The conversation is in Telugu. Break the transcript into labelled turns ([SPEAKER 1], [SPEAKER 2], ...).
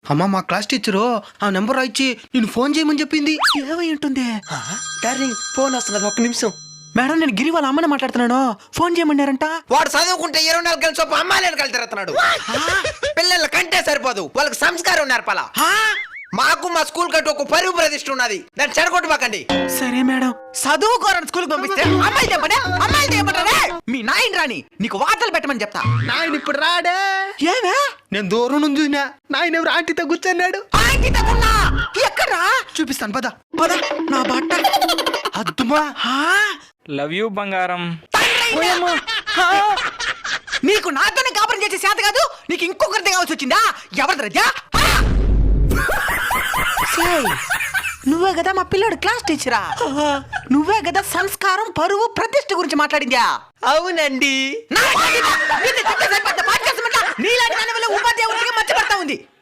[SPEAKER 1] అమ్మ మా క్లాస్ టీచరు ఆ నెంబర్ ఇచ్చి నేను ఫోన్ చేయమని చెప్పింది.
[SPEAKER 2] ఏమై ఉంటుంది?
[SPEAKER 3] డార్లింగ్ ఫోన్ వస్తున్నది, ఒక్క నిమిషం.
[SPEAKER 2] మేడం నేను గిరి వాళ్ళ అమ్మని మాట్లాడుతున్నాను. ఫోన్ చేయమన్నారంట.
[SPEAKER 3] వాడు చదువుకుంటే 24 గంటల సేపు అమ్మాయిలను కలిసి తిరుగుతున్నాడు. పిల్లల కంటే సరిపోదు, వాళ్ళకి సంస్కారం నేర్పాలా. మాకు మా స్కూల్ కంటే ఒక పరువు ప్రతిష్ఠ ఉన్నది, దాన్ని చెడగొట్టబాకండి.
[SPEAKER 2] సరే మేడం. చదువుకోరని స్కూల్కి పంపిస్తే అమ్మాయిలు చెప్పండి, అమ్మాయిలు చెప్పండి. మీ నాయన రాని నీకు వార్తలు పెట్టమని చెప్తా.
[SPEAKER 1] నాయన ఇప్పుడు రాడే.
[SPEAKER 2] ఏమే?
[SPEAKER 1] నేను దూరం నుంచి చూసినా నాయన ఎవరు ఆంటీతో కూర్చున్నాడు.
[SPEAKER 2] ఎక్కడా
[SPEAKER 1] చూపిస్తాను పద.
[SPEAKER 2] పద. నా బట్ట
[SPEAKER 1] అద్దుమా.
[SPEAKER 4] లవ్ యూ బంగారం.
[SPEAKER 2] నీకు నాతోనే కాపురం చేసే శాత కాదు, నీకు ఇంకొకరిది కావాల్సి వచ్చిందా? ఎవరిది రజా? నువ్వే కదా మా పిల్లోడు క్లాస్ టీచరా? నువ్వే కదా సంస్కారం పరువు ప్రతిష్ఠ గురించి మాట్లాడిందా?
[SPEAKER 3] అవునండి.
[SPEAKER 2] నీలాంటి దాని వల్ల ఉపాధ్యాయుడికి మర్చిపడతా ఉంది.